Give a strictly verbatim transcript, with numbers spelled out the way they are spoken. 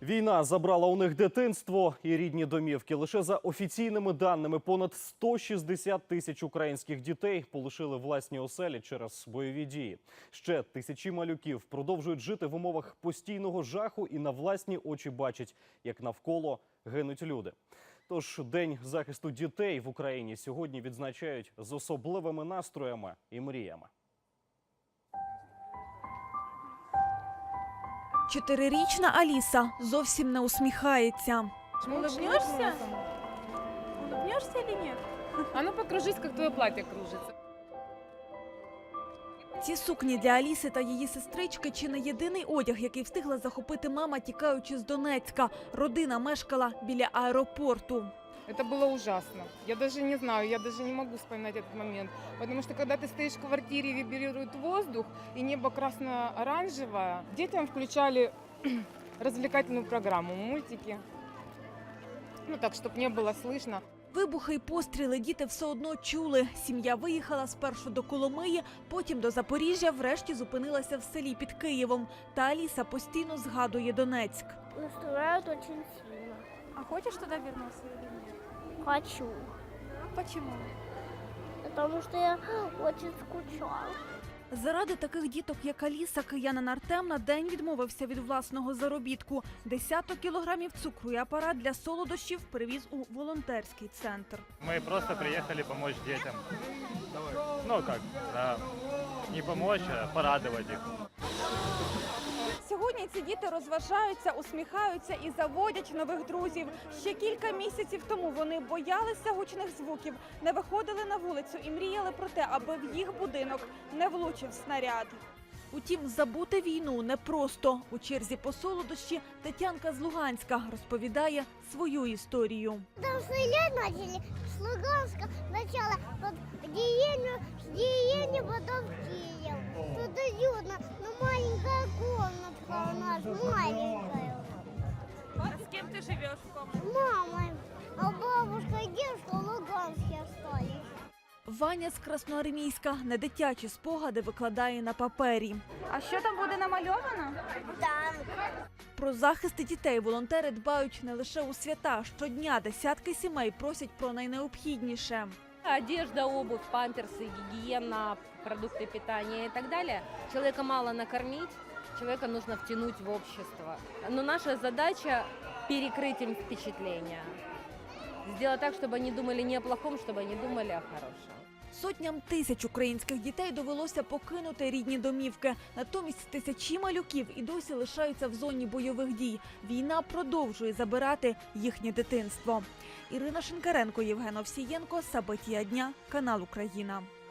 Війна забрала у них дитинство і рідні домівки. Лише за офіційними даними, понад сто шістдесят тисяч українських дітей полишили власні оселі через бойові дії. Ще тисячі малюків продовжують жити в умовах постійного жаху і на власні очі бачать, як навколо гинуть люди. Тож День захисту дітей в Україні сьогодні відзначають з особливими настроями і мріями. Чотирирічна Аліса зовсім не усміхається. Улыбнешься? Улыбнешься или нет? А ну покружись, как твое платье кружится. Ці сукні для Аліси та її сестрички чи не єдиний одяг, який встигла захопити мама, тікаючи з Донецька. Родина мешкала біля аеропорту. Это было ужасно. Я даже не знаю, я даже не могу вспоминать этот момент. Потому что когда ты стоишь в квартире и вибрирует воздух, и небо красно-оранжевое, детям включали развлекательную программу, мультики. Ну так, чтобы не было слышно. Вибухи й постріли діти все одно чули. Сім'я виїхала спершу до Коломиї, потім до Запоріжжя, врешті зупинилася в селі під Києвом. Та Аліса постійно згадує Донецьк. Настроят очень сильно. А хочешь туда вернуться или нет? Хочу. Почему? Потому что я очень скучала. Заради таких діток, як Аліса, киянин Артем на день відмовився від власного заробітку. Десяток кілограмів цукру і апарат для солодощів привіз у волонтерський центр. Мы просто приехали помочь детям. Ну как, да, не помочь, а порадовать их. Сьогодні ці діти розважаються, усміхаються і заводять нових друзів. Ще кілька місяців тому вони боялися гучних звуків, не виходили на вулицю і мріяли про те, аби в їх будинок не влучив снаряд. Утім, забути війну непросто. У черзі по солодощі Тетянка з Луганська розповідає свою історію. Там стрелять начали с Луганска сначала под деревню, с деревни потом в Киев. Тут уютно, но маленькая комнатка у нас, маленькая. А з ким ти живеш в комнаті? С мамой. А бабушка и дедушка в Луганске остались. Ваня з Красноармійська не дитячі спогади викладає на папері. А що там буде намальовано? Там. Про захист дітей волонтери дбають не лише у свята. Щодня десятки сімей просять про найнеобхідніше. Одежда, обувь, памперсы, гигиена, продукты питания и так далее. Человека мало накормить, человека нужно втянуть в общество. Но наша задача – перекрыть им впечатления. Сделать так, чтобы они думали не о плохом, чтобы они думали о хорошем. Сотням тисяч українських дітей довелося покинути рідні домівки. Натомість тисячі малюків і досі лишаються в зоні бойових дій. Війна продовжує забирати їхнє дитинство. Ірина Шинкаренко, Євген Овсієнко, Сабитія дня, канал Україна.